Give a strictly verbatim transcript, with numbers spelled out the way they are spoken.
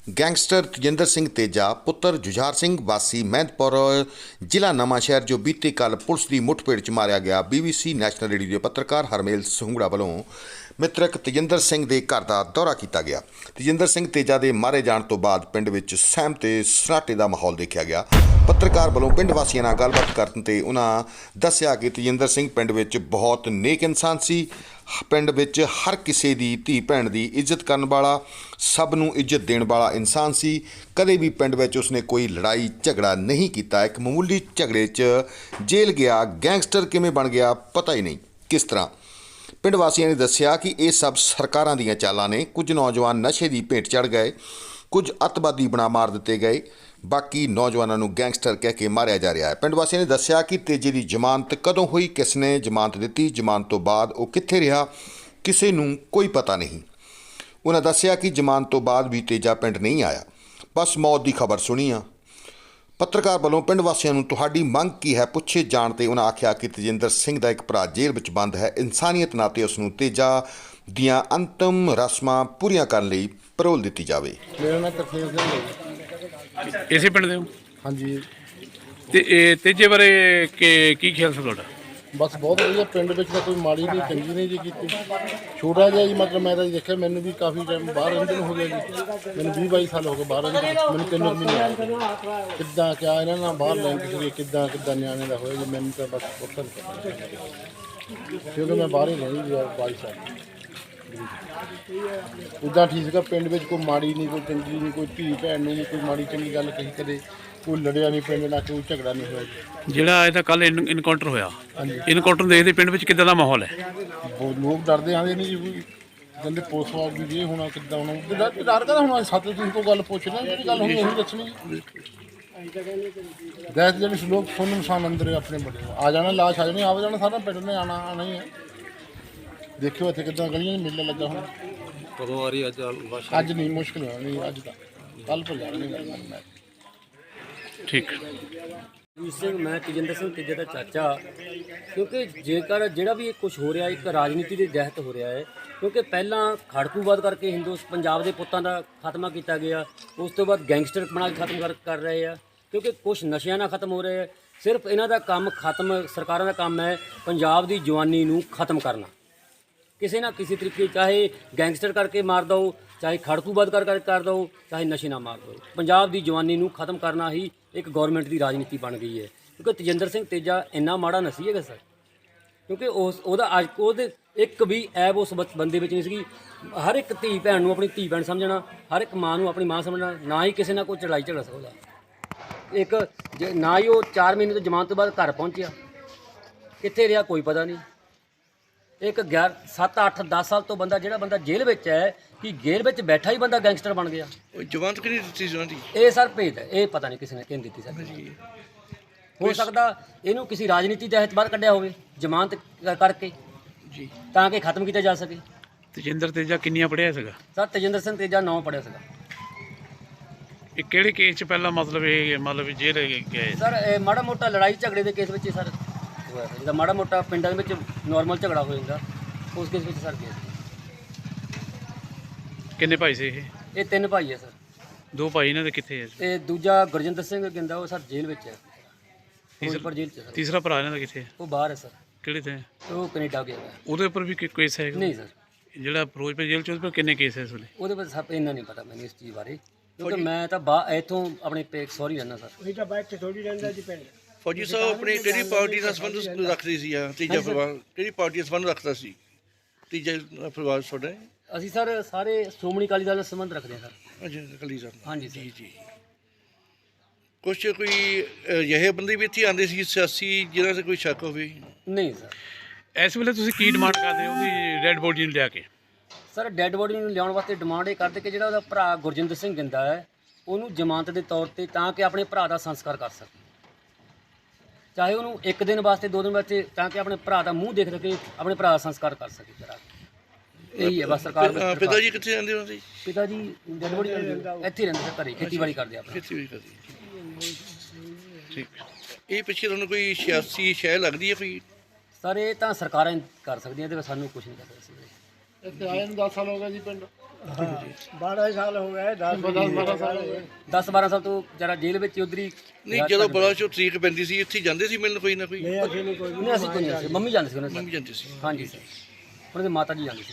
Gangster Tejinder Singh Teja ਪੁੱਤਰ ਜੁਝਾਰ ਸਿੰਘ ਵਾਸੀ ਮਹਿੰਦਪੁਰ ਜ਼ਿਲ੍ਹਾ ਨਵਾਂਸ਼ਹਿਰ ਜੋ ਬੀਤੇ ਕੱਲ੍ਹ ਪੁਲਿਸ ਦੀ ਮੁੱਠਭੇੜ 'ਚ ਮਾਰਿਆ ਗਿਆ। ਬੀਬੀਸੀ ਨੈਸ਼ਨਲ ਰੇਡੀਓ ਦੇ ਪੱਤਰਕਾਰ ਹਰਮੇਲ ਸੰਘੂੜਾ ਵੱਲੋਂ ਮ੍ਰਿਤਕ ਤੇਜਿੰਦਰ ਸਿੰਘ ਦੇ ਘਰ ਦਾ ਦੌਰਾ ਕੀਤਾ ਗਿਆ। ਤੇਜਿੰਦਰ ਸਿੰਘ ਤੇਜਾ ਦੇ ਮਾਰੇ ਜਾਣ ਤੋਂ ਬਾਅਦ ਪਿੰਡ ਵਿੱਚ ਸਹਿਮ ਤੇ ਸਰਾਟੇ ਦਾ ਮਾਹੌਲ ਦੇਖਿਆ ਗਿਆ। ਪੱਤਰਕਾਰ ਵੱਲੋਂ ਪਿੰਡ ਵਾਸੀਆਂ ਨਾਲ ਗੱਲਬਾਤ ਕਰਨ ਤੇ ਉਹਨਾਂ ਦੱਸਿਆ ਕਿ ਤੇਜਿੰਦਰ ਸਿੰਘ ਪਿੰਡ ਵਿੱਚ ਬਹੁਤ ਨੇਕ ਇਨਸਾਨ ਸੀ। ਪਿੰਡ ਵਿੱਚ ਹਰ ਕਿਸੇ ਦੀ ਧੀ ਭੈਣ ਦੀ ਇੱਜ਼ਤ ਕਰਨ ਵਾਲਾ, ਸਭ ਨੂੰ ਇੱਜ਼ਤ ਦੇਣ ਵਾਲਾ ਇਨਸਾਨ ਸੀ। ਕਦੇ ਵੀ ਪਿੰਡ ਵਿੱਚ ਉਸਨੇ ਕੋਈ ਲੜਾਈ ਝਗੜਾ ਨਹੀਂ ਕੀਤਾ। ਇੱਕ ਮਾਮੂਲੀ ਝਗੜੇ 'ਚ ਜੇਲ੍ਹ ਗਿਆ। ਗੈਂਗਸਟਰ ਕਿਵੇਂ ਬਣ ਗਿਆ ਪਤਾ ਹੀ ਨਹੀਂ ਕਿਸ ਤਰ੍ਹਾਂ। ਪਿੰਡ ਵਾਸੀਆਂ ਨੇ ਦੱਸਿਆ ਕਿ ਇਹ ਸਭ ਸਰਕਾਰਾਂ ਦੀਆਂ ਚਾਲਾਂ ਨੇ। ਕੁਝ ਨੌਜਵਾਨ ਨਸ਼ੇ ਦੀ ਭੇਟ ਚੜ੍ਹ ਗਏ, ਕੁਝ ਅੱਤਵਾਦੀ ਬਣਾ ਮਾਰ ਦਿੱਤੇ ਗਏ, ਬਾਕੀ ਨੌਜਵਾਨਾਂ ਨੂੰ ਗੈਂਗਸਟਰ ਕਹਿ ਕੇ ਮਾਰਿਆ ਜਾ ਰਿਹਾ ਹੈ। ਪਿੰਡ ਵਾਸੀਆਂ ਨੇ ਦੱਸਿਆ ਕਿ ਤੇਜੇ ਦੀ ਜ਼ਮਾਨਤ ਕਦੋਂ ਹੋਈ, ਕਿਸ ਨੇ ਜ਼ਮਾਨਤ ਦਿੱਤੀ, ਜ਼ਮਾਨਤ ਤੋਂ ਬਾਅਦ ਉਹ ਕਿੱਥੇ ਰਿਹਾ, ਕਿਸੇ ਨੂੰ ਕੋਈ ਪਤਾ ਨਹੀਂ। ਉਹਨਾਂ ਦੱਸਿਆ ਕਿ ਜ਼ਮਾਨਤ ਤੋਂ ਬਾਅਦ ਵੀ ਤੇਜਾ ਪਿੰਡ ਨਹੀਂ ਆਇਆ, ਬਸ ਮੌਤ ਦੀ ਖਬਰ ਸੁਣੀ ਆ। ਪੱਤਰਕਾਰ ਵੱਲੋਂ ਪਿੰਡ ਵਾਸੀਆਂ ਨੂੰ ਤੁਹਾਡੀ ਮੰਗ ਕੀ ਹੈ ਪੁੱਛੇ ਜਾਣ ਤੇ ਉਹਨਾਂ ਆਖਿਆ ਕਿ ਤੇਜਿੰਦਰ ਸਿੰਘ ਦਾ ਇੱਕ ਭਰਾ ਜੇਲ੍ਹ ਵਿੱਚ ਬੰਦ ਹੈ। ਇਨਸਾਨੀਅਤ ਨਾਤੇ ਉਸ ਨੂੰ ਤੇਜਾ ਦੀਆਂ ਅੰਤਮ ਰਸਮਾਂ ਪੂਰੀਆਂ ਕਰਨ ਲਈ ਪਰੋਲ ਦਿੱਤੀ ਜਾਵੇ। ਮੇਰਾ ਨਾਮ ਤਰਸੇਮ ਸਿੰਘ ਹੈ। ਇਸੇ ਪਿੰਡ ਦੇ ਹੋ? ਹਾਂਜੀ। ਤੇ ਇਹ ਤੇਜੇ ਬਾਰੇ ਕੀ ਕੀ ਖਿਆਲ ਸੀ ਤੁਹਾਡਾ? ਬਸ ਬਹੁਤ ਵਧੀਆ। ਪਿੰਡ ਵਿੱਚ ਤਾਂ ਕੋਈ ਮਾੜੀ ਨਹੀਂ ਚੰਗੀ ਨਹੀਂ ਜੀ ਕੀਤੀ। ਛੋਟਾ ਜਿਹਾ ਜੀ, ਮਤਲਬ ਮੈਂ ਤਾਂ ਜੀ ਦੇਖਿਆ, ਮੈਨੂੰ ਵੀ ਕਾਫੀ ਟਾਈਮ ਬਾਹਰ ਰਹਿੰਦੇ ਨੂੰ ਹੋ ਗਿਆ ਜੀ। ਮੈਨੂੰ ਵੀਹ ਬਾਈ ਸਾਲ ਹੋ ਗਏ ਬਾਹਰ ਰਹਿੰਦੇ ਨੂੰ। ਮੈਨੂੰ ਤਿੰਨ ਮਹੀਨੇ ਆ ਗਏ। ਕਿੱਦਾਂ ਕਿਆ ਇਹਨਾਂ ਨਾਲ ਬਾਹਰ ਲੈਂਕ ਕਰੀਏ, ਕਿੱਦਾਂ ਕਿੱਦਾਂ ਨਿਆਣੇ ਦਾ ਹੋਇਆ ਜੀ, ਮੈਨੂੰ ਤਾਂ ਬਸ ਪੁੱਛਣ ਕਿਉਂਕਿ ਮੈਂ ਬਾਹਰ ਹੀ ਰਹਿੰਦੀ ਜੀ ਬਾਈ ਸਾਲ। ਉੱਦਾਂ ਠੀਕ ਸੀਗਾ। ਪਿੰਡ ਵਿੱਚ ਕੋਈ ਮਾੜੀ ਨਹੀਂ, ਕੋਈ ਚੰਗੀ ਨਹੀਂ, ਕੋਈ ਧੀ ਭੈਣ ਨੂੰ ਨਹੀਂ ਕੋਈ ਮਾੜੀ ਚੰਗੀ ਗੱਲ ਕਹੀ, ਕਦੇ ਕੋਈ ਲੜਿਆ ਨਹੀਂ ਪਿੰਡ ਨਾਲ, ਕੋਈ ਝਗੜਾ ਨਹੀਂ ਹੋਇਆ ਜੀ। ਜਿਹੜਾ ਇਹਦਾ ਕੱਲ ਇਨਕਾਊਂਟਰ ਹੋਇਆ, ਇਨਕਾਊਂਟਰ ਨੂੰ ਦੇਖਦੇ ਪਿੰਡ ਵਿੱਚ ਕਿੱਦਾਂ ਦਾ ਮਾਹੌਲ ਹੈ? ਬਹੁਤ ਲੋਕ ਡਰਦੇ ਆਉਂਦੇ ਨਹੀਂ ਜੀ, ਕਹਿੰਦੇ ਪੁਲਿਸ ਵਾਲ ਵੀ ਇਹ ਹੋਣਾ ਕਿੱਦਾਂ ਹੋਣਾ। ਡਰ ਡਰ ਕਦਾ ਹੋਣਾ? ਸੱਤ ਦਿਨ ਤੋਂ ਗੱਲ ਪੁੱਛ ਲੈ, ਜਿਹੜੀ ਗੱਲ ਹੋਣੀ ਉਹੀ ਦੱਸਣੀ। ਗੈਸ ਜਿਹੜੀ ਲੋਕ ਸੁਣ ਇਨਸਾਨ ਅੰਦਰ ਆਪਣੇ ਬੜੇ ਆ ਜਾਣਾ, ਲਾਸ਼ ਆ ਜਾਣੀ, ਆ ਜਾਣਾ, ਸਾਰਾ ਪਿੰਡ ਨੇ ਆਉਣਾ ਆਉਣਾ ਹੀ ਹੈ। ਦੇਖਿਓ ਇੱਥੇ ਕਿੱਦਾਂ ਗਲੀਆਂ 'ਚ ਮੇਲਾ ਲੱਗਾ ਹੁਣ। ਕਦੋਂ ਆ ਰਹੀ ਅੱਜ? ਅੱਜ ਨਹੀਂ, ਮੁਸ਼ਕਿਲ ਹੋਣਾ ਨਹੀਂ, ਅੱਜ ਤਾਂ ਕੱਲ੍ਹ ਭੁੱਲ ਜਾਣਾ ਨਹੀਂ ਗੱਲ ਮੈਂ। ਠੀਕ। ਜੀਤ ਸਿੰਘ, ਮੈਂ ਤੇਜਿੰਦਰ ਸਿੰਘ ਤੇਜੇ ਦਾ ਚਾਚਾ। ਕਿਉਂਕਿ ਜੇਕਰ ਜਿਹੜਾ ਵੀ ਕੁਝ ਹੋ ਰਿਹਾ ਇੱਕ ਰਾਜਨੀਤੀ ਦੇ ਤਹਿਤ ਹੋ ਰਿਹਾ ਹੈ। ਕਿਉਂਕਿ ਪਹਿਲਾਂ ਖੜਕੂਵਾਦ ਕਰਕੇ ਹਿੰਦੂ ਪੰਜਾਬ ਦੇ ਪੁੱਤਾਂ ਦਾ ਖਾਤਮਾ ਕੀਤਾ ਗਿਆ, ਉਸ ਤੋਂ ਬਾਅਦ ਗੈਂਗਸਟਰ ਬਣਾ ਕੇ ਖਤਮ ਕਰ ਕਰ ਰਹੇ ਆ। ਕਿਉਂਕਿ ਕੁਝ ਨਸ਼ਿਆਂ ਨਾਲ ਖਤਮ ਹੋ ਰਹੇ ਹੈ। ਸਿਰਫ ਇਹਨਾਂ ਦਾ ਕੰਮ ਖਤਮ, ਸਰਕਾਰਾਂ ਦਾ ਕੰਮ ਹੈ ਪੰਜਾਬ ਦੀ ਜਵਾਨੀ ਨੂੰ ਖਤਮ ਕਰਨਾ। ਕਿਸੇ ਨਾ ਕਿਸੇ ਤਰੀਕੇ, ਚਾਹੇ ਗੈਂਗਸਟਰ ਕਰਕੇ ਮਾਰ ਦਿਓ, ਚਾਹੇ ਖੜਕੂਵਾਦ ਕਰ ਕਰ ਕਰ ਦਿਓ, ਚਾਹੇ ਨਸ਼ੇ ਨਾਲ ਮਾਰ ਦਿਓ। ਪੰਜਾਬ ਦੀ ਜਵਾਨੀ ਨੂੰ ਖਤਮ ਕਰਨਾ ਹੀ ਇੱਕ ਗੌਰਮੈਂਟ ਦੀ ਰਾਜਨੀਤੀ ਬਣ ਗਈ ਹੈ। ਕਿਉਂਕਿ ਤੇਜਿੰਦਰ ਸਿੰਘ ਤੇਜਾ ਇੰਨਾ ਮਾੜਾ ਨਹੀਂ ਹੈਗਾ ਸਰ। ਕਿਉਂਕਿ ਉਸ ਉਹਦਾ ਅੱਜ ਉਹਦੇ ਇੱਕ ਵੀ ਐਬ ਉਸ ਬੰਦੇ ਵਿੱਚ ਨਹੀਂ ਸੀਗੀ। ਹਰ ਇੱਕ ਧੀ ਭੈਣ ਨੂੰ ਆਪਣੀ ਧੀ ਭੈਣ ਸਮਝਣਾ, ਹਰ ਇੱਕ ਮਾਂ ਨੂੰ ਆਪਣੀ ਮਾਂ ਸਮਝਣਾ। ਨਾ ਹੀ ਕਿਸੇ ਨਾਲ ਕੋਈ ਲੜਾਈ ਝਗੜਾ ਸਕਦਾ। ਇੱਕ ਜੇ ਨਾ ਹੀ ਉਹ ਚਾਰ ਮਹੀਨੇ ਤੋਂ ਜ਼ਮਾਨਤ ਤੋਂ ਬਾਅਦ ਘਰ ਪਹੁੰਚਿਆ, ਕਿੱਥੇ ਰਿਹਾ ਕੋਈ ਪਤਾ ਨਹੀਂ। ਇੱਕ ਗਿਆਰ ਸੱਤ ਅੱਠ ਦਸ ਸਾਲ ਤੋਂ ਬੰਦਾ, ਜਿਹੜਾ ਬੰਦਾ ਜੇਲ੍ਹ ਵਿੱਚ ਹੈ, ਕਿ ਜੇਲ੍ਹ ਵਿੱਚ ਬੈਠਾ ਹੀ ਬੰਦਾ ਗੈਂਗਸਟਰ ਬਣ ਗਿਆ। ਜ਼ਮਾਨਤ ਕਿਹਨੇ ਦਿੱਤੀ ਸੀ ਉਹਨਾਂ ਦੀ? ਇਹ ਸਰ ਭੇਦ ਹੈ, ਇਹ ਪਤਾ ਨਹੀਂ ਕਿਸੇ ਨੇ ਕਿਹਨੇ ਦਿੱਤੀ ਸਰ। ਹੋ ਸਕਦਾ ਇਹਨੂੰ ਕਿਸੇ ਰਾਜਨੀਤੀ ਤਹਿਤ ਬਾਹਰ ਕੱਢਿਆ ਹੋਵੇ ਜ਼ਮਾਨਤ ਕਰਕੇ ਜੀ, ਤਾਂ ਕਿ ਖਤਮ ਕੀਤਾ ਜਾ ਸਕੇ। ਤੇਜਿੰਦਰ ਤੇਜਾ ਕਿੰਨੀਆਂ ਪੜ੍ਹਿਆ ਸੀਗਾ? ਸਰ ਤੇਜਿੰਦਰ ਸਿੰਘ ਤੇਜਾ ਨੌ ਪੜ੍ਹਿਆ ਸੀਗਾ। ਇਹ ਕਿਹੜੇ ਕੇਸ 'ਚ ਪਹਿਲਾਂ ਮਤਲਬ ਇਹ ਮਤਲਬ ਜੇਲ੍ਹ ਗਏ? ਸਰ ਇਹ ਮਾੜਾ ਮੋਟਾ ਲੜਾਈ ਝਗੜੇ ਦੇ ਕੇਸ ਵਿੱਚ ਹੀ ਸਰ ਹੋਇਆ ਸੀ। ਜਿੱਦਾਂ ਮਾੜਾ ਮੋਟਾ ਪਿੰਡਾਂ ਦੇ ਵਿੱਚ ਨੋਰਮਲ ਝਗੜਾ ਹੋ ਜਾਂਦਾ, ਉਸ ਕੇਸ ਵਿੱਚ ਸਰ ਗਿਆ ਸੀ। ਕਿੰਨੇ ਭਾਈ ਸੀ ਇਹ? ਇਹ ਤਿੰਨ ਭਾਈ ਹੈ ਸਰ। ਦੋ ਭਾਈ ਇਹਨਾਂ ਦੇ ਕਿੱਥੇ ਹੈ? ਤੇ ਦੂਜਾ ਗੁਰਜਿੰਦਰ ਸਿੰਘ ਗਿੰਦਾ, ਉਹ ਸਰ ਜੇਲ੍ਹ ਵਿੱਚ ਹੈ, ਫਿਰੋਜ਼ਪੁਰ ਜੇਲ੍ਹ 'ਚ ਸਰ। ਤੀਸਰਾ ਭਰਾ ਇਹਨਾਂ ਦਾ ਕਿੱਥੇ ਹੈ? ਉਹ ਬਾਹਰ ਹੈ ਸਰ। ਕਿਹੜੇ ਤੇ? ਉਹ ਕੈਨੇਡਾ ਗਿਆ ਹੈ। ਉਹਦੇ ਉੱਪਰ ਵੀ ਕੋਈ ਕੇਸ ਹੈ? ਨਹੀਂ ਸਰ, ਜਿਹੜਾ ਫਿਰੋਜ਼ਪੁਰ ਜੇਲ੍ਹ 'ਚ ਉਹਦੇ ਉੱਪਰ ਕਿੰਨੇ ਕੇਸ ਹੈ ਇਸ ਵੇਲੇ? ਉਹਦੇ ਬਾਰੇ ਸਰ ਇੰਨਾ ਨਹੀਂ ਪਤਾ ਮੈਨੂੰ ਇਸ ਚੀਜ਼ ਬਾਰੇ। ਕਿਉਂਕਿ ਮੈਂ ਤਾਂ ਬਾ ਇੱਥੋਂ ਆਪਣੇ ਪੇਕ ਸੌਰੀ ਰਹਿੰਦਾ ਸਰ। ਉਹੀ ਤਾਂ ਬਾਅਦ ਚ ਥੋੜੀ ਰਹਿੰਦਾ ਜੀ ਪਿੰਡ। ਫੌਜੀ ਸਾਹਿਬ ਆਪਣੀ ਕਿਹੜੀ ਪਾਰਟੀ ਦਾ ਸੰਬੰਧ ਰੱਖਦੇ ਸੀ? ਆ ਤੀਜਾ ਪਰਿਵਾਰ ਕਿਹੜੀ ਪਾਰਟੀ ਦਾ ਸੰਬੰਧ ਰੱਖਦਾ ਸੀ? ਤੀਜਾ ਪਰਿਵਾਰ ਤੁਹਾਡਾ? ਅਸੀਂ ਸਰ ਸਾਰੇ ਸ਼੍ਰੋਮਣੀ ਅਕਾਲੀ ਦਲ ਨਾਲ ਸੰਬੰਧ ਰੱਖਦੇ ਹਾਂ ਸਰ। ਅੱਛਾ, ਅਕਾਲੀ ਦਲ। ਹਾਂਜੀ ਜੀ ਜੀ। ਕੁਛ ਕੋਈ ਅਜਿਹੇ ਬੰਦੇ ਵੀ ਇੱਥੇ ਆਉਂਦੇ ਸੀ ਸਿਆਸੀ ਜਿਹਨਾਂ 'ਤੇ ਕੋਈ ਸ਼ੱਕ ਹੋਵੇ? ਨਹੀਂ ਸਰ। ਇਸ ਵੇਲੇ ਤੁਸੀਂ ਕੀ ਡਿਮਾਂਡ ਕਰਦੇ ਹੋ ਉਹਦੀ ਡੈਡ ਬੋਡੀ ਨੂੰ ਲਿਆ ਕੇ? ਸਰ ਡੈੱਡ ਬੋਡੀ ਨੂੰ ਲਿਆਉਣ ਵਾਸਤੇ ਡਿਮਾਂਡ ਇਹ ਕਰਦੇ ਕਿ ਜਿਹੜਾ ਉਹਦਾ ਭਰਾ ਗੁਰਜਿੰਦਰ ਸਿੰਘ ਗਿੰਦਾ ਹੈ, ਉਹਨੂੰ ਜ਼ਮਾਨਤ ਦੇ ਤੌਰ ਤੇ, ਤਾਂ ਕਿ ਆਪਣੇ ਭਰਾ ਦਾ ਸੰਸਕਾਰ ਕਰ ਸਕੇ। ਚਾਹੇ ਉਹਨੂੰ ਇੱਕ ਦਿਨ ਵਾਸਤੇ, ਦੋ ਦਿਨ ਵਾਸਤੇ, ਤਾਂ ਕਿ ਆਪਣੇ ਭਰਾ ਦਾ ਮੂੰਹ ਦੇਖ ਸਕੇ, ਆਪਣੇ ਭਰਾ ਦਾ ਸੰਸਕਾਰ ਕਰ ਸਕੇ। ਜਰਾ ਇਹੀ ਹੈ ਬਸ ਸਰਕਾਰ ਦਾ। ਪਿਤਾ ਜੀ ਕਿੱਥੇ ਜਾਂਦੇ ਹੁੰਦੇ? ਪਿਤਾ ਜੀ ਡੈੱਡ ਬੋਡੀ ਇੱਥੇ ਹੀ ਰਹਿੰਦੇ ਸਰ, ਘਰੇ ਖੇਤੀਬਾੜੀ ਕਰਦੇ ਆ। ਖੇਤੀਬਾੜੀ ਕਰਦੇ। ਠੀਕ। ਇਹ ਪਿੱਛੇ ਤੁਹਾਨੂੰ ਕੋਈ ਸਿਆਸੀ ਸ਼ੈ ਲੱਗਦੀ ਹੈ ਕੋਈ? ਸਰ ਇਹ ਤਾਂ ਸਰਕਾਰਾਂ ਕਰ ਸਕਦੀਆਂ, ਇਹਦੇ ਵਿੱਚ ਸਾਨੂੰ ਕੁਝ ਨਹੀਂ ਕਰ ਸਕਦੇ। ਇੱਥੇ ਆਏ ਨੂੰ ਦਸ ਸਾਲ ਹੋ ਗਏ ਜੀ ਪਿੰਡ ਬਾਰਾਂ ਸਾਲ ਹੋ ਗਏ ਦਸ ਦਸ ਬਾਰਾਂ ਸਾਲ ਹੋ ਗਏ। ਦਸ ਬਾਰਾਂ ਸਾਲ ਤੋਂ ਜਰਾ ਜੇਲ੍ਹ ਵਿੱਚ ਉਧਰ ਹੀ ਨਹੀਂ ਜਦੋਂ ਬੜਾ ਚੋ ਤਰੀਕ ਪੈਂਦੀ ਸੀ ਇੱਥੇ ਜਾਂਦੇ ਸੀ ਮਿਲਣ ਕੋਈ ਨਾ ਕੋਈ ਨਹੀਂ ਅਸੀਂ ਨਹੀਂ ਕੋਈ ਨਹੀਂ ਅਸੀਂ ਕੋਈ ਨਹੀਂ ਸੀ, ਮੰਮੀ ਜਾਂਦੇ ਸੀ ਉਹਨਾਂ ਮੰਮੀ ਜਾਂਦੇ ਸੀ ਹਾਂਜੀ ਸਰ ਉਹਨਾਂ ਦੇ ਮਾਤਾ ਜੀ ਜਾਂਦੇ ਸੀ